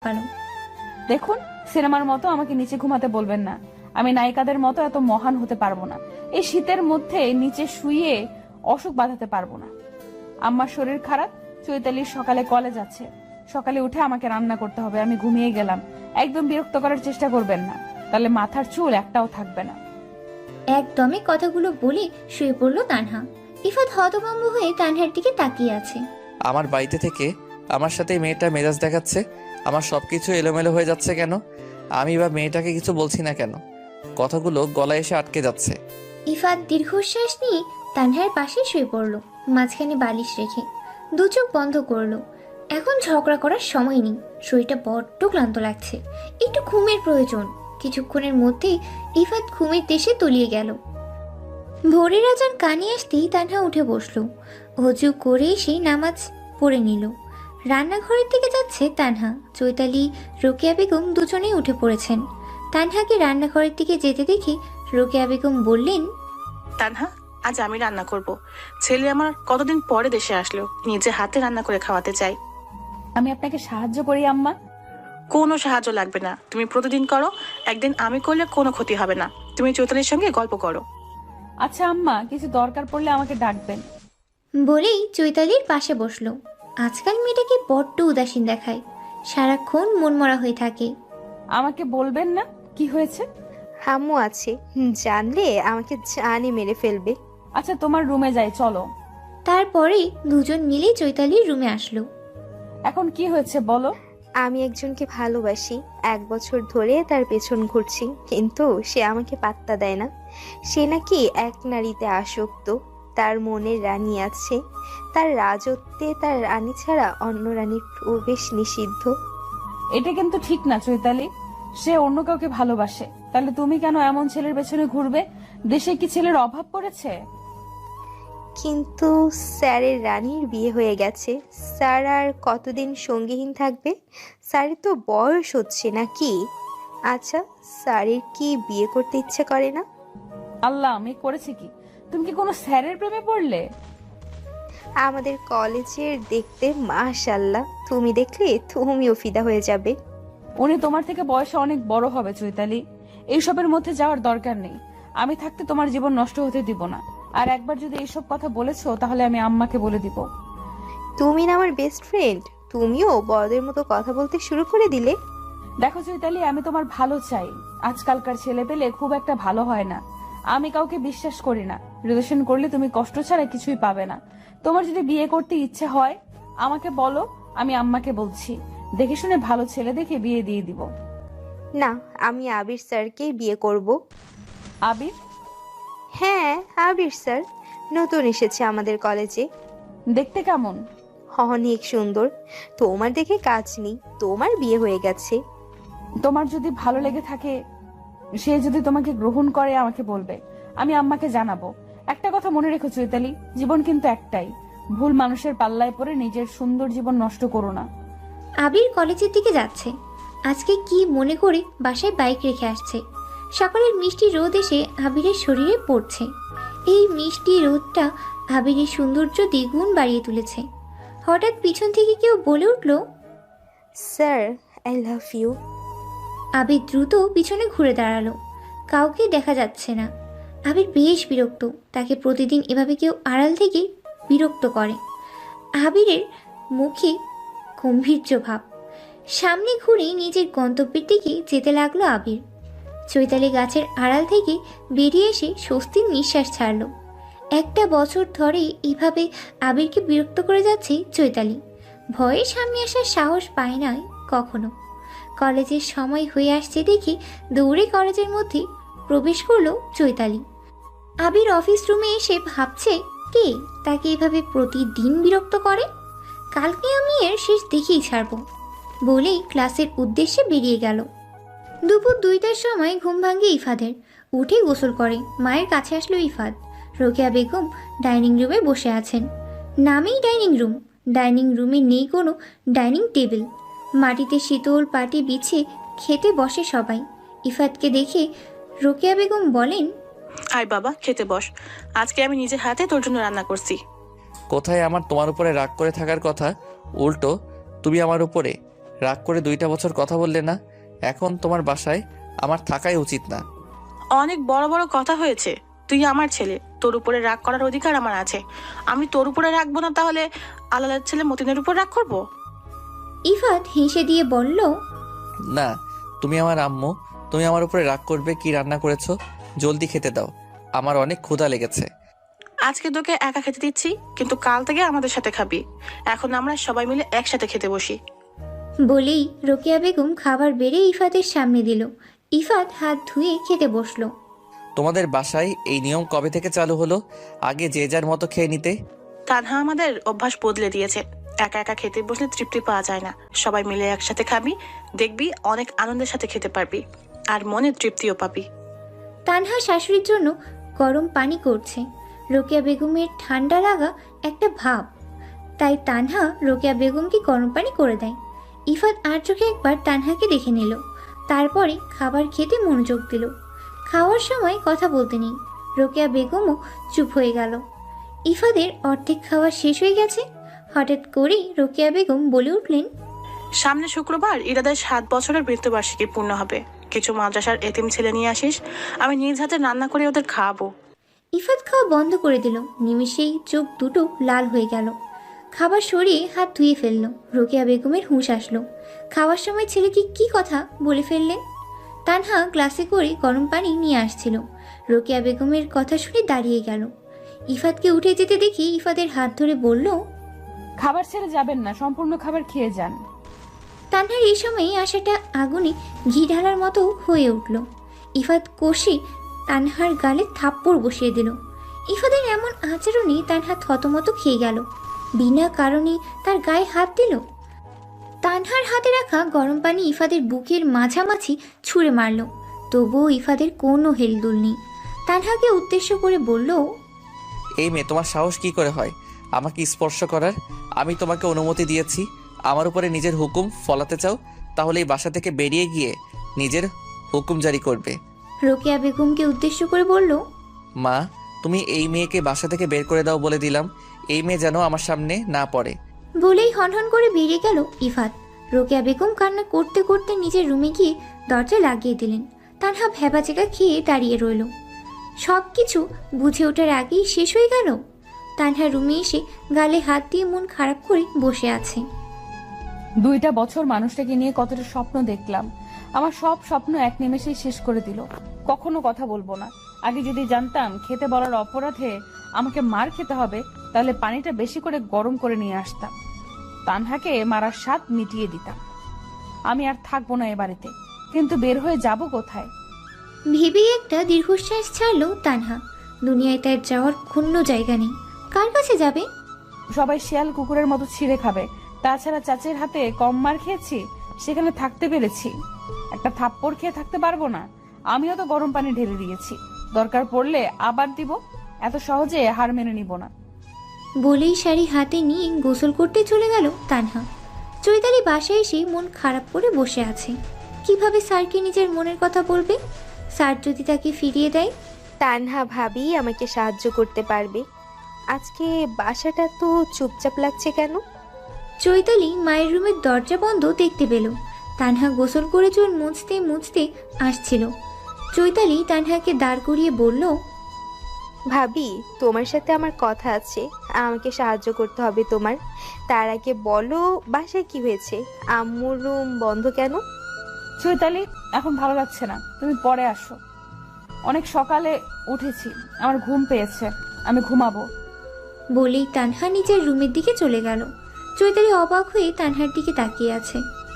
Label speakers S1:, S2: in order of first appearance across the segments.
S1: পারো।
S2: দেখুন, সিনেমার মতো আমাকে নিচে ঘুমাতে বলবেন না। আমি নায়িকাদের মতো এত মহান হতে পারবো না। এই শীতের মধ্যে নিচে শুয়ে অসুখ বাঁধাতে পারবো না। আম্মার শরীর খারাপ, চৈতালির সকালে কলেজ আছে। সকালে উঠে আমাকে রান্না করতে হবে। আমি ঘুমিয়ে গেলাম। একদম বিরক্ত করার চেষ্টা করবেন না, তাহলে মাথার চুল একটাও থাকবে না।
S1: একদমই কথাগুলো বলে শুয়ে পড়ল তানহা। ইফাত হতভম্ব হয়ে তানহার দিকে তাকিয়ে আছে।
S3: আমার বাড়িতে থেকে আমার সাথে এই মেয়েটা মেজাজ দেখাচ্ছে। আমার সবকিছু এলোমেলো হয়ে যাচ্ছে কেন? আমি বা মেয়েটাকে কিছু বলছি না কেন? কথাগুলো গলায় এসে আটকে যাচ্ছে।
S1: ইফাত দীর্ঘশ্বাস নিয়ে তানহার পাশে শুয়ে পড়ল, মাঝখানে বালিশ রেখে দু চোখ বন্ধ করলো। এখন ঝগড়া করার সময় নেই, শরীরটা বড্ড ক্লান্ত লাগছে, একটু ঘুমের প্রয়োজন। কিছুক্ষণের মধ্যেই ইফাত ঘুমের দেশে তলিয়ে গেল। ভোরের আজান কানে আসতেই তানহা উঠে বসলো। অজু করে এসে নামাজ পড়ে নিল। রান্নাঘরের দিকে যাচ্ছে তানহা। চৈতালি, রোকেয়া বেগম দুজনেই উঠে পড়েছেন। তানহাকে রান্নাঘরের দিকে যেতে দেখে রোকেয়া বেগম বললেন,
S4: তানহা, আজ আমি রান্না করব। ছেলে আমার কতদিন পরে দেশে আসলো, নিজে হাতে রান্না করে খাওয়াতে চাই।
S2: আমি আপনাকে সাহায্য করি আম্মা।
S4: কোনো সাহায্য লাগবে না, তুমি প্রতিদিন করো। একদিন আমি করলে কোনো ক্ষতি হবে না। তুমি চৈতালির সঙ্গে গল্প করো।
S2: আচ্ছা আম্মা, কিছু দরকার পড়লে আমাকে ডাকবেন।
S1: বলেই চৈতালির পাশে বসলো। আজকাল মেয়েটাকে বড্ড উদাসীন দেখায়, সারাক্ষণ মনমরা হয়ে থাকে।
S2: আমাকে বলবেন না কি হয়েছে?
S5: হামু আছে, জানলে আমাকে জানে মেরে ফেলবে।
S2: আচ্ছা, তোমার রুমে যাই, চলো।
S1: তারপরে দুজন মিলে চৈতালির রুমে আসলো।
S2: এখন কি হয়েছে বলো।
S5: আমি একজনকে ভালোবাসি, 1 বছর ধরে তার পেছন ঘুরছি, কিন্তু সে আমাকে পাত্তা দেয় না। সে নাকি এক নারীতে আসক্ত, তার মনের রানী আছে, তার রাজত্বে তার রানী ছাড়া অন্য রানীর প্রবেশ নিষিদ্ধ।
S2: এটা কিন্তু ঠিক না চৈতালি। সে অন্য কাউকে ভালোবাসে, তাহলে তুমি কেন এমন ছেলের পেছনে ঘুরবে? দেশে কি ছেলের অভাব পড়েছে?
S5: কিন্তু স্যারের রানীর বিয়ে হয়ে গেছে, স্যার আর কতদিন সঙ্গীহীন থাকবে? স্যারের তো বয়স হচ্ছে নাকি? আচ্ছা, স্যারের কি বিয়ে করতে ইচ্ছে করে না?
S2: আল্লাহ, আমি করেছি কি? তুমি কি কোনো স্যারের প্রেমে পড়লে?
S5: আমাদের কলেজের দেখতে মাশাআল্লাহ, তুমি দেখলে তুমিও ফিদা হয়ে যাবে।
S2: উনি তোমার থেকে বয়সে অনেক বড় হবে চৈতালি। এইসবের মধ্যে যাওয়ার দরকার নেই। আমি থাকতে তোমার জীবন নষ্ট হতে দিব না। আর একবার যদি এইসব কথা বলেছো, তাহলে আমি আম্মাকে বলে দিব।
S5: তুমি না আমার বেস্ট ফ্রেন্ড, তুমিও বড়দের মতো কথা বলতে শুরু করে দিলে।
S2: দেখো চৈতালি, আমি তোমার ভালো চাই। আজকালকার ছেলে পেলে খুব একটা ভালো হয় না। আমি কাউকে বিশ্বাস করি না। রিলেশন করলে তুমি কষ্ট ছাড়া কিছুই পাবে না। তোমার যদি বিয়ে করতে ইচ্ছে হয় আমাকে বলো, আমি আম্মাকে বলছি। দেখে শুনে ভালো ছেলে দেখে বিয়ে দিয়ে দিব।
S5: না, আমি আবির স্যারকেই বিয়ে করব।
S2: আবির?
S5: হ্যাঁ, আবির স্যার নতুন এসেছে আমাদের কলেজে।
S2: দেখতে কেমন?
S5: অনেক সুন্দর। তোমার দেখে কাজ নেই, তোমার বিয়ে হয়ে গেছে।
S2: তোমার যদি ভালো লেগে থাকে, সে যদি তোমাকে গ্রহণ করে আমাকে বলবে, আমি আম্মাকে জানাবো। একটা কথা মনে রেখো চৈতালি, জীবন কিন্তু একটাই। ভুল মানুষের পাল্লায় পড়ে নিজের সুন্দর জীবন নষ্ট করো না।
S1: আবির কলেজের দিকে যাচ্ছে। আজকে কি মনে করে বাসায় বাইক রেখে আসছে। সকালের মিষ্টি রোদ এসে আবিরের শরীরে পড়ছে। এই মিষ্টি রোদটা আবিরের সৌন্দর্য দ্বিগুণ বাড়িয়ে তুলেছে। হঠাৎ পিছন থেকে কেউ বলে উঠল,
S5: sir, I love you.
S1: Abir দ্রুত পিছনে ঘুরে দাঁড়ালো। কাউকে দেখা যাচ্ছে না। আবির বেশ বিরক্ত, তাকে প্রতিদিন এভাবে কেউ আড়াল থেকে বিরক্ত করে। আবিরের মুখে গম্ভীর্য ভাব। সামনে ঘুরে নিজের গন্তব্যের দিকে যেতে লাগলো আবির। চৈতালি গাছের আড়াল থেকে বেরিয়ে এসে স্বস্তির নিঃশ্বাস ছাড়ল। 1 বছর ধরে এভাবে আবিরকে বিরক্ত করে যাচ্ছে চৈতালি। ভয়ে সামনে আসার সাহস পায় না কখনো। কলেজের সময় হয়ে আসছে দেখে দৌড়ে কলেজের মধ্যে প্রবেশ করলো চৈতালি। আবির অফিস রুমে এসে ভাবছে, কে তাকে এভাবে প্রতিদিন বিরক্ত করে। কালকে আমি এর শেষ দেখেই ছাড়ব বলেই ক্লাসের উদ্দেশ্যে বেরিয়ে গেল। দুপুর 2টার সময় ঘুম ভাঙে ইফাদের। উঠে গোসল করে মায়ের কাছে আসলো ইফাদ। রোকেয়া বেগম ডাইনিং রুমে বসে আছেন। নামেই ডাইনিং রুম, ডাইনিং রুমে নেই কোনো ডাইনিং টেবিল। মাটিতে শীতল পাটি বিছিয়ে খেতে বসে সবাই। ইফাদকে দেখে রোকেয়া বেগম বলেন,
S4: আয় বাবা, খেতে বস। আজকে আমি নিজে হাতে তোর জন্য রান্না করছি।
S3: কোথায় আমার তোমার উপরে রাগ করে থাকার কথা, উল্টো তুমি আমার উপরে রাগ করে 2টা বছর কথা বললে না? এখন তোমার বাসায় আমার থাকাই উচিত না।
S4: অনেক বড় বড় কথা হয়েছে। তুই আমার ছেলে, তোর উপরে রাগ করার অধিকার আমার আছে। আমি তোর উপরে রাখবো না, তাহলে আলালের ছেলে মতিনের উপর রাগ করবো?
S1: ইফাত হেসে দিয়ে বলল,
S3: না, তুমি আমার আম্মু, তুমি আমার উপরে রাগ করবে? কি রান্না করেছো? জলদি খেতে দাও, আমার অনেক ক্ষুধা লেগেছে।
S4: আজকে তোকে একা খেতে দিচ্ছি, কিন্তু কাল থেকে আমাদের সাথে খাবি। এখন আমরা সবাই মিলে একসাথে খেতে বসি।
S1: বলেই রোকেয়া বেগম খাবার বেড়ে ইফাতের সামনে দিল। ইফাত হাত ধুয়ে খেতে বসলো।
S3: তোমাদের বাসায় এই নিয়ম কবে থেকে চালু হলো? আগে যে যার মতো খেয়ে নিতে।
S4: তানহা আমাদের অভ্যাস বদলে দিয়েছে। একা একা খেতে বসলে তৃপ্তি পাওয়া যায় না। সবাই মিলে একসাথে খাবি, দেখবি অনেক আনন্দের সাথে খেতে পারবি, আর মনে তৃপ্তিও পাবি।
S1: তানহা শাশুড়ির জন্য গরম পানি করছে। রোকেয়া বেগমের ঠান্ডা লাগা একটা ভাব, তাই তানহা রোকেয়া বেগমকে গরম পানি করে দেয়। ইফাত আর চোখে একবার তানহাকে দেখে নিল, তারপরে খাবার খেতে মনোযোগ দিল। খাওয়ার সময় কথা বলতে নেই। রোকেয়া বেগমও চুপ হয়ে গেল। ইফাদের অর্ধেক খাওয়া শেষ হয়ে গেছে। হঠাৎ করেই রোকেয়া বেগম বলে উঠলেন,
S4: সামনে শুক্রবার ইরাদের 7 বছরের মৃত্যুবার্ষিকী পূর্ণ হবে। কিছু মাদ্রাসার এতিম ছেলে নিয়ে আসিস, আমি নিজ হাতে রান্না করে ওদের খাওয়াবো।
S1: ইফাত খাওয়া বন্ধ করে দিল। নিমিষেই চোখ দুটো লাল হয়ে গেল। খাবার সরিয়ে হাত ধুয়ে ফেলল। রোকেয়া বেগমের হুঁশ আসলো। খাওয়ার সময় ছেলেকে কি কথা বলে ফেললেন। তানহা গ্লাসে করে গরম পানি নিয়ে আসছিল। রোকেয়া বেগমের কথা শুনে দাঁড়িয়ে গেল। ইফাতকে উঠে যেতে দেখি ইফাতের হাত ধরে বলল,
S2: খাবার ছেড়ে যাবেন না, সম্পূর্ণ খাবার খেয়ে যান।
S1: তানহার এই সময় আশাটা আগুনে ঘি ঢালার মতো হয়ে উঠল। ইফাত কষে তানহার গালে থাপ্পড় বসিয়ে দিল। ইফাতের এমন আচরণে তানহা থতমত খেয়ে গেল। বিনা কারণে তার গায়ে হাত দিল। তানহার হাতে রাখা গরম পানি ইফাদের বুকের মাঝামাঝি ছুঁড়ে মারল। তবুও ইফাদের কোনো হেলদোল নেই। তানহাকে উদ্দেশ্য করে বলল,
S3: এই মেয়ে, তোমার সাহস কি করে হয় আমাকে স্পর্শ করার? আমি তোমাকে অনুমতি দিয়েছি। আমার উপরে নিজের হুকুম ফলাতে চাও? তাহলে এই বাসা থেকে বেরিয়ে গিয়ে নিজের হুকুম জারি করবে।
S1: রোকেয়া বেগমকে উদ্দেশ্য করে বলল,
S3: মা, তুমি এই মেয়েকে বাসা থেকে বের করে দাও বলে দিলাম। এই মেয়ে যেন আমার সামনে না পড়ে।
S1: বলেই হনহন করে বেরিয়ে গেল ইফাত। রোকেয়া বেগম কান্না করতে করতে নিজের রুমে গিয়ে দরজা লাগিয়ে দিলেন। তানহা ভ্যাবাচেকা খেয়ে দাঁড়িয়ে রইল। সব কিছু বুঝে ওঠার আগেই শেষ হয়ে গেল। তানহা রুমে এসে গালে হাত দিয়ে মন খারাপ করে বসে আছে।
S2: 2টা বছর মানুষটাকে নিয়ে কতটা স্বপ্ন দেখলাম, আমার সব স্বপ্ন এক নিমেষেই শেষ করে দিল। কখনো কথা বলবো না। আগে যদি জানতাম খেতে বলার অপরাধে আমাকে মার খেতে হবে, তাহলে পানিটা বেশি করে গরম করে নিয়ে আসতাম, তানহাকে মারার স্বাদ মিটিয়ে দিতাম। আমি আর থাকবো না এ বাড়িতে, কিন্তু বের হয়ে যাব কোথায়?
S1: ভেবেই একটা দীর্ঘশ্বাস ছাড়লো তানহা। দুনিয়ায় তার যাওয়ার কোনো জায়গা নেই। কার কাছে যাবে?
S2: সবাই শিয়াল কুকুরের মতো ছিঁড়ে খাবে। তাছাড়া চাচির হাতে কম মার খেয়েছি, সেখানে থাকতে পেরেছি। একটা থাপ্পড় খেয়ে থাকতে পারবো না? আমিও তো গরম পানি ঢেলে দিয়েছি, দরকার পড়লে আবার দিব। এত সহজে হার মেনে নিব না।
S1: বলেই শাড়ি হাতে নিয়ে গোসল করতে চলে গেল তানহা। চৈতালি বাসায় এসে মন খারাপ করে বসে আছে। কিভাবে স্যারকে নিজের মনের কথা বলবে? স্যার যদি তাকে ফিরিয়ে দেয়?
S5: তানহা ভাবি আমাকে সাহায্য করতে পারবে। আজকে বাসাটা তো চুপচাপ লাগছে কেন?
S1: চৈতালি মায়ের রুমের দরজা বন্ধ দেখতে পেল। তানহা গোসল করে চুল মুছতে মুছতে আসছিল। চৈতালি তানহাকে দাঁড় করিয়ে বলল,
S5: ভাবি, তোমার সাথে আমার কথা আছে, আমাকে সাহায্য করতে হবে তোমার। তার আগে বলো, বাসায় কি হয়েছে? আম্মুর রুম বন্ধ কেন?
S2: চৈতালি, এখন ভালো লাগছে না, তুমি পরে আসো। অনেক সকালে উঠেছি, আমার ঘুম পেয়েছে, আমি ঘুমাবো।
S1: বলেই তানহা নিজের রুমের দিকে চলে গেল। চৈতালি অবাক হয়ে তানহার দিকে তাকিয়ে আছে।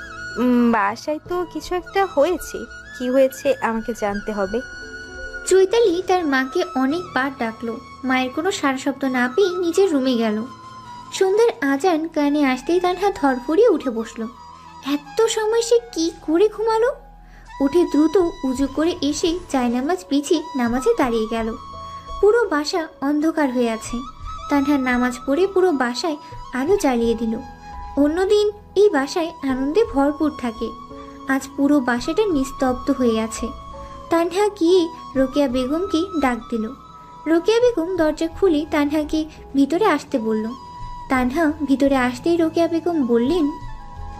S5: বাসায় তো কিছু একটা হয়েছে। কি হয়েছে আমাকে জানতে হবে।
S1: চৈতালি তার মাকে অনেকবার ডাকলো। মায়ের কোনো সাড়া শব্দ না পেয়ে নিজের রুমে গেল। সন্ধ্যার আজান কানে আসতেই তানহা ধরফড়িয়ে উঠে বসলো। এত সময় সে কি করে ঘুমালো? উঠে দ্রুত উজু করে এসে জায়নামাজ বিছিয়ে নামাজে দাঁড়িয়ে গেল। পুরো বাসা অন্ধকার হয়ে আছে। তানহা নামাজ পড়ে পুরো বাসায় আলো জ্বালিয়ে দিল। অন্যদিন এই বাসায় আনন্দে ভরপুর থাকে। আজ পুরো বাসাটা নিস্তব্ধ হয়ে আছে। তানহা গিয়ে রোকেয়া বেগমকে ডাক দিল। রোকেয়া বেগম দরজা খুলে তানহাকে ভিতরে আসতে বলল। তানহা ভিতরে আসতেই রোকেয়া বেগম বললেন,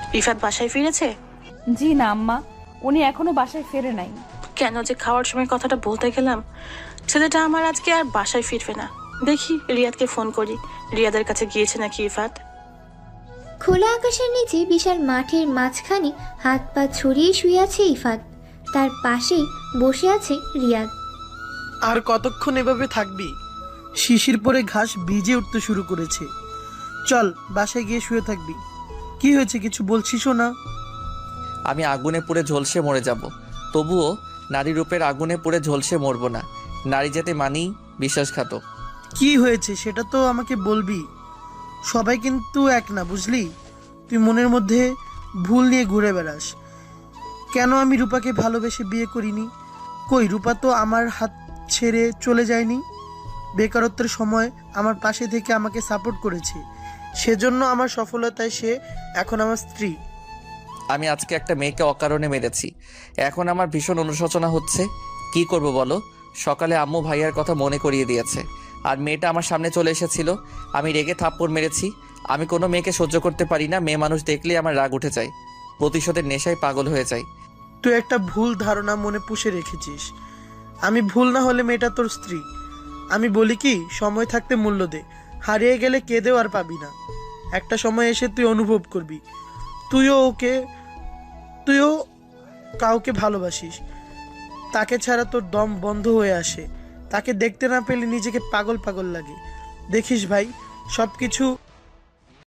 S4: ইফাত বাসায় ফিরেছে?
S2: জি না আম্মা, উনি এখনো বাসায় ফেরে নাই।
S4: কেন যে খাওয়ার সময় কথাটা বলতে গেলাম। ছেলেটা আমার আজকে আর বাসায় ফিরবে না। দেখি রিয়াদকে ফোন করি, রিয়াদের কাছে গিয়েছে নাকি ইফাত।
S1: খোলা আকাশের নিচে বিশাল মাঠের মাঝখানে হাত পা ছড়িয়ে শুয়ে আছে ইফাত, তার পাশেই বসে আছে রিয়াদ।
S6: আর কতক্ষণ এভাবে থাকবি? শিশির পরে ঘাস ভিজে উঠতে শুরু করেছে। চল বাসায় গিয়ে শুয়ে থাকবি। কি হয়েছে, কিছু বলছিসও না?
S3: আমি আগুনে পুড়ে ঝলসে মরে যাব, তবুও নারী রূপের আগুনে পুড়ে ঝলসে মরবো না। নারী যেতে মানেই বিশ্বাসঘাতক।
S6: কি হয়েছে সেটা তো আমাকে বলবি। সবাই কিন্তু এক না, বুঝলি? তুই মনের মধ্যে ভুল নিয়ে ঘুরে বেড়াস। কেন আমি রূপাকে ভালোবেসে বিয়ে করিনি? কই, রূপা তো আমার হাত ছেড়ে চলে যায়নি। বেকারত্বের সময় আমার পাশে থেকে আমাকে সাপোর্ট করেছে, সেজন্য আমার সফলতায় সে এখন আমার স্ত্রী।
S3: আমি আজকে একটা মেয়েকে অকারণে মেরেছি, এখন আমার ভীষণ অনুশোচনা হচ্ছে। কি করব বলো? সকালে আম্মু ভাইয়ার কথা মনে করিয়ে দিয়েছে, আর মেয়েটা আমার সামনে চলে এসেছিল। আমি রেগে থাপ্পড় মেরেছি। আমি কোনো মেয়েকে সহ্য করতে পারি না, মেয়ে মানুষ দেখলেই আমার রাগ উঠে যায়, প্রতিশোধের নেশায় পাগল হয়ে যায়।
S6: তুই একটা ভুল ধারণা মনে পুষে রেখেছিস। আমি ভুল না হলে মেয়েটা তোর স্ত্রী। আমি বলি কি, সময় থাকতে মূল্য দে, হারিয়ে গেলে কেঁদেও আর পাবি না। একটা সময় এসে তুই অনুভব করবি তুইও কাউকে ভালোবাসিস, তাকে ছাড়া তোর দম বন্ধ হয়ে আসে। তাকে দেখতে না পেলে নিজেকে পাগল পাগল লাগে। দেখিস ভাই, সব কিছু